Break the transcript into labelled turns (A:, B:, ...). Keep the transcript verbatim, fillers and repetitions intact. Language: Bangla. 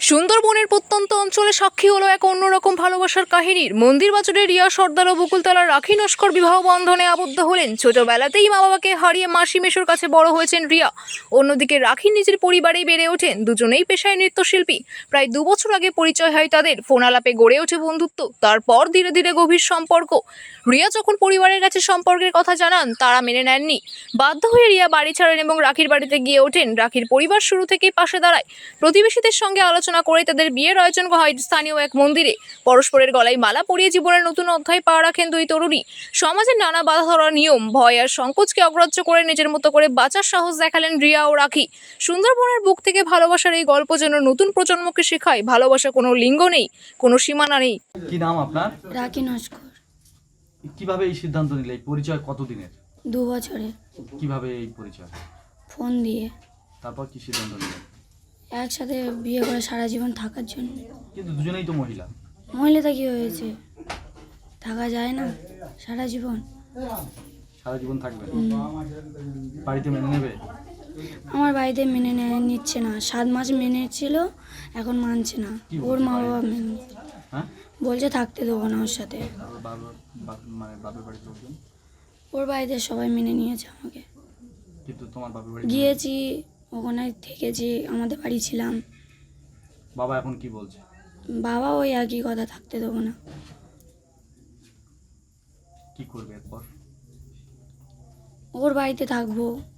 A: সুন্দরবনের প্রত্যন্ত অঞ্চলে সাক্ষী হলো এক অন্যরকম ভালোবাসার কাহিনীর। মন্দির বাজারে রিয়া সর্দার ও বকুলতলার রাখি নস্কর বিবাহ বন্ধনে আবদ্ধ হলেন। ছোটবেলাতেই মা বাবাকে হারিয়ে মাসি মেশোর কাছে বড় হয়েছেন রিয়া। অন্যদিকে রাখি নিজের পরিবারেই বেড়ে ওঠেন। দুজনেই পেশায় নৃত্যশিল্পী। প্রায় দু বছর আগে পরিচয় হয় তাদের। ফোন আলাপে গড়ে ওঠে বন্ধুত্ব, তারপর ধীরে ধীরে গভীর সম্পর্ক। রিয়া যখন পরিবারের কাছে সম্পর্কের কথা জানান, তারা মেনে নেননি। বাধ্য হয়ে রিয়া বাড়ি ছাড়েন এবং রাখির বাড়িতে গিয়ে ওঠেন। রাখির পরিবার শুরু থেকেই পাশে দাঁড়ায়। প্রতিবেশীদের সঙ্গে আলোচনা করে তাদের বিয়ের আয়োজন হয় স্থানীয় এক মন্দিরে। পরস্পরের গলায় মালা পরিয়ে জীবনের নতুন অধ্যায় পা রাখেন দুই তরুণী। সমাজের নানা বাধা ধরা নিয়ম, ভয় আর সংকোচকে অগ্রাহ্য করে নিজের মতো করে বাঁচার সাহস দেখালেন রিয়া ও রাখি। সুন্দরবনের বুক থেকে ভালোবাসার এই গল্প যেন নতুন প্রজন্মকে শেখায়, ভালোবাসা কোনো লিঙ্গ নেই, কোনো সীমানা নেই।
B: কি নাম আপনার?
C: রাখি নস্কর।
B: কিভাবে এই সিদ্ধান্ত নিলে? এই পরিচয় কতদিনের?
C: দু বছরে।
B: কিভাবে এই পরিচয়?
C: ফোন দিয়ে।
B: তারপর কি সিদ্ধান্ত নিলেন?
C: একসাথে বিয়ে করে সারা জীবন থাকার জন্য।
B: কিন্তু দুজনেই তো মহিলা।
C: মহিলাটা কি হয়েছে, থাকা যায় না সারা জীবন?
B: সারা জীবন থাকবেন? বাড়িতে মেনে নেবে?
C: আমার বাড়িতে মেনে নেয় নিচ্ছে না। সাত মাস মেনে ছিল, এখন মানছে না। ওর মা বাবা মেনে
B: হ্যাঁ,
C: বলছে থাকতে দেবো না ওর সাথে।
B: ওর বাবা বাপ- মানে বাপের বাড়িতে লোকজন?
C: ওর বাড়িতে সবাই মেনে নিয়েছে আমাকে।
B: কিন্তু তোমার বাপের বাড়ি?
C: গিয়েছি, ওখানে থেকেছি, আমাদের বাড়ি ছিলাম।
B: বাবা এখন কি বলছে?
C: বাবা ওই একই কথা, থাকতে দেবো না।
B: কি করবে এরপর?
C: ওর বাড়িতে থাকবো।